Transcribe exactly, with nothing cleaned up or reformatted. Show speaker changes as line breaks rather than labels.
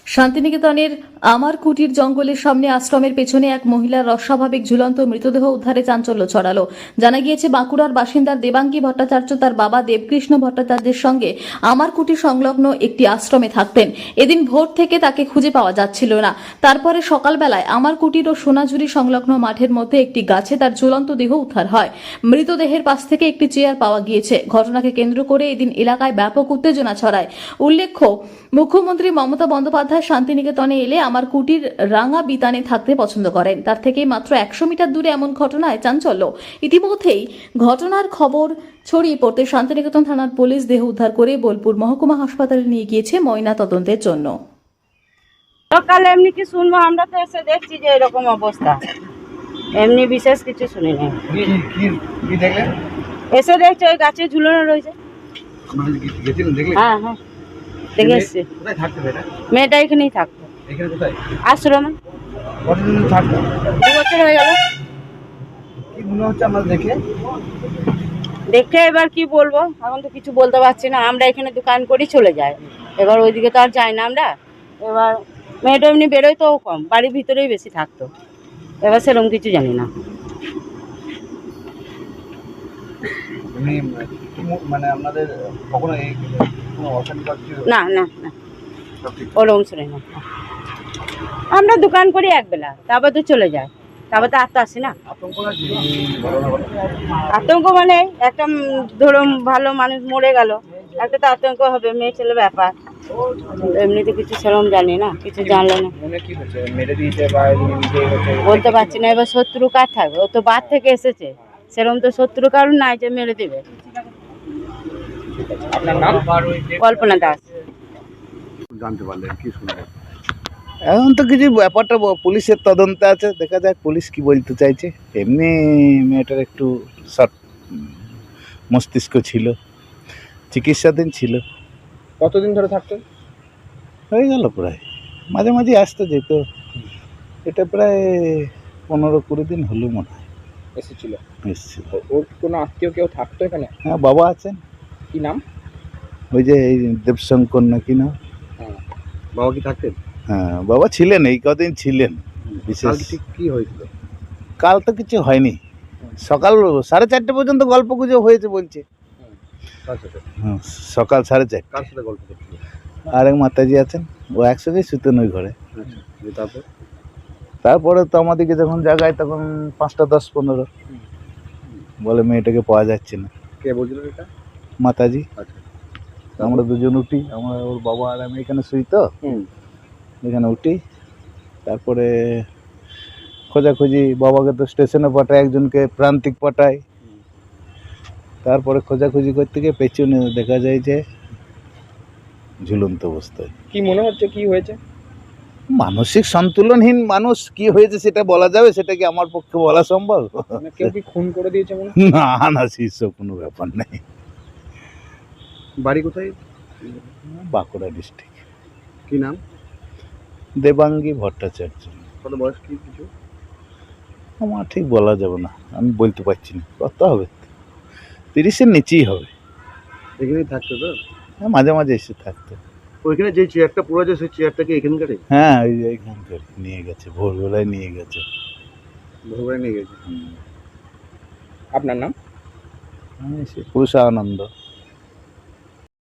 শান্তিনিকেতনের আমার কুটির জঙ্গলের সামনে আশ্রমের পেছনে এক মহিলার অস্বাভাবিক ঝুলন্ত মৃতদেহ উদ্ধারে চাঞ্চল্য ছড়ালো। জানা গিয়েছে বাঁকুড়ার বাসিন্দা দেবাঙ্গী ভট্টাচার্য তার বাবা দেবকৃষ্ণ ভট্টাচার্যের সঙ্গে আমার কুটির সংলগ্ন একটি আশ্রমে থাকতেন। এদিন ভোর থেকে তাকে খুঁজে পাওয়া যাচ্ছিল না। তারপরে সকালবেলায় আমার কুটির ও সোনাঝুরি সংলগ্ন মাঠের মধ্যে একটি গাছে তার ঝুলন্ত দেহ উদ্ধার হয়। মৃতদেহের পাশ থেকে একটি চেয়ার পাওয়া গিয়েছে। ঘটনাকে কেন্দ্র করে এদিন এলাকায় ব্যাপক উত্তেজনা ছড়ায়। উল্লেখ্য, মুখ্যমন্ত্রী মমতা বন্দ্যোপাধ্যায় শান্তিনিকেতনে এলে আমার কুটির রাঙা বিতানে থাকতে পছন্দ করেন। তার থেকে মাত্র একশো মিটার দূরে এমন ঘটনায় চাঞ্চল্য। ইতিমধ্যেই ঘটনার খবর ছড়িয়ে পড়তে শান্তিনিকেতন থানার পুলিশ দেহ উদ্ধার করে বোলপুর মহকুমা হাসপাতালে নিয়ে গিয়েছে ময়না তদন্তের জন্য।
সকালে এমনি কি শুনবো, আমরা তো এসে দেখছি যে এরকম অবস্থা, এমনি বিশেষ কিছু শুনি নাই। এসে দেখছি ওই গাছে ঝুলানো রয়েছে। হ্যাঁ হ্যাঁ দেখে এসছি। মেয়েটা এখানেই থাকতো আশ্রমে, দু বছর হয়ে গেল। দেখে এবার কি বলবো, এখন তো কিছু বলতে পারছি না। আমরা এখানে দোকান করি চলে যাই, এবার ওইদিকে তো আর যাই না আমরা। এবার মেয়েটা এমনি বেরোয় তো কম, বাড়ির ভিতরেই বেশি থাকতো। এবার সেরকম কিছু জানি না।
মানে আপনাদের কখনো এই কোনো অশান্তি
না না না ওরকম শুনে না। আমরা দোকান করি একবেলা, তারপর তো চলে যায়, তারপর তো আর তো আসি না। আতঙ্ক মানে একটা ধরুন ভালো মানুষ মরে গেল, একটা তো আতঙ্ক হবে, মেয়ে ছেলে ব্যাপার। এমনিতে কিছু সেরকম জানি না, কিছু জানলে না বলতে পারছি না। এবার শত্রু কার থাকবে, ও তো বাদ থেকে এসেছে, সেরকম তো শত্রু কারণ নাই যে মেরে দেবে। কল্পনা দাস।
জানতে পারলেন কি শুনলেন?
এখন তো কিছু ব্যাপারটা পুলিশের তদন্তে আছে, দেখা যাক পুলিশ কি বলতে চাইছে। এমনি মেয়েটার একটু শর্ট মস্তিষ্ক ছিল, চিকিৎসাধীন ছিল।
কতদিন ধরে থাকতেন?
হয়ে গেল প্রায়, মাঝে মাঝে আসতে যেত। এটা প্রায় পনেরো কুড়ি দিন হলো মনে হয়
এসেছিল।
এসেছিল।
ওর কোনো আত্মীয় কেউ থাকতো এখানে?
হ্যাঁ, বাবা আছেন।
কি নাম?
ওই যে এই দেবশঙ্কর না কি নাম।
হ্যাঁ, বাবা কি থাকতেন?
হ্যাঁ, বাবা ছিলেন, এই কদিন ছিলেন। বিশেষ
ঠিক কি হয়েছিল?
কাল তো কিছু হয়নি, সকাল সাড়ে চারটে পর্যন্ত গল্প গুজব হয়েছে বলছে। হ্যাঁ, সকাল সাড়ে চারটে।
কার সাথে গল্প করছিল?
আরেক মাতাজি আছেন, ও একসঙ্গেই শুতেন ওই ঘরে।
তারপর
তারপরে তো আমাদেরকে যখন জাগায় তখন পাঁচটা দশ পনেরো বলে মেয়েটাকে পাওয়া যাচ্ছে না।
কে বলছিল এটা?
মাতাজি।
আচ্ছা,
আমরা দুজন উঠি, আমরা ওর বাবা আর আমি এখানে শুই তো, এখানে উঠি। তারপরে খোঁজাখুঁজি, বাবাকে তো স্টেশনে পাঠায়, একজনকে প্রান্তিক পাঠায়। তারপরে খোঁজাখুঁজি করতে গিয়ে পেছনে দেখা যায় যে ঝুলন্ত অবস্থায়।
কি মনে হচ্ছে কি হয়েছে?
মানসিক সন্তুলনহীন মানুষ, কি হয়েছে সেটা বলা যাবে? সেটা কি আমার পক্ষে বলা সম্ভব?
মানে কেউ কি খুন করে দিয়েছে মনে?
না না, সেসব কোনো ব্যাপার নেই।
বাড়ি কোথায়?
বাঁকুড়া ডিস্ট্রিক্ট।
কি নাম?
দেবাঙ্গী ভট্টাচার্য।
কত বয়স কি কিছু?
আমার ঠিক বলা যাবে না, আমি বলতে পারছি না। কত হবে, তিরিশের নিচেই হবে।
এখানেই থাকতো তো?
হ্যাঁ, মাঝে মাঝে এসে থাকতো।
ওইখানে যে চেয়ারটা পড়ে আছে সেই চেয়ারটাকে এখানকারে?
হ্যাঁ, ওই যে এখানকার নিয়ে গেছে, ভোরবেলায় নিয়ে গেছে।
ভোরবেলায় নিয়ে গেছে। আপনার নাম?
আমি সে পুরুষানন্দ।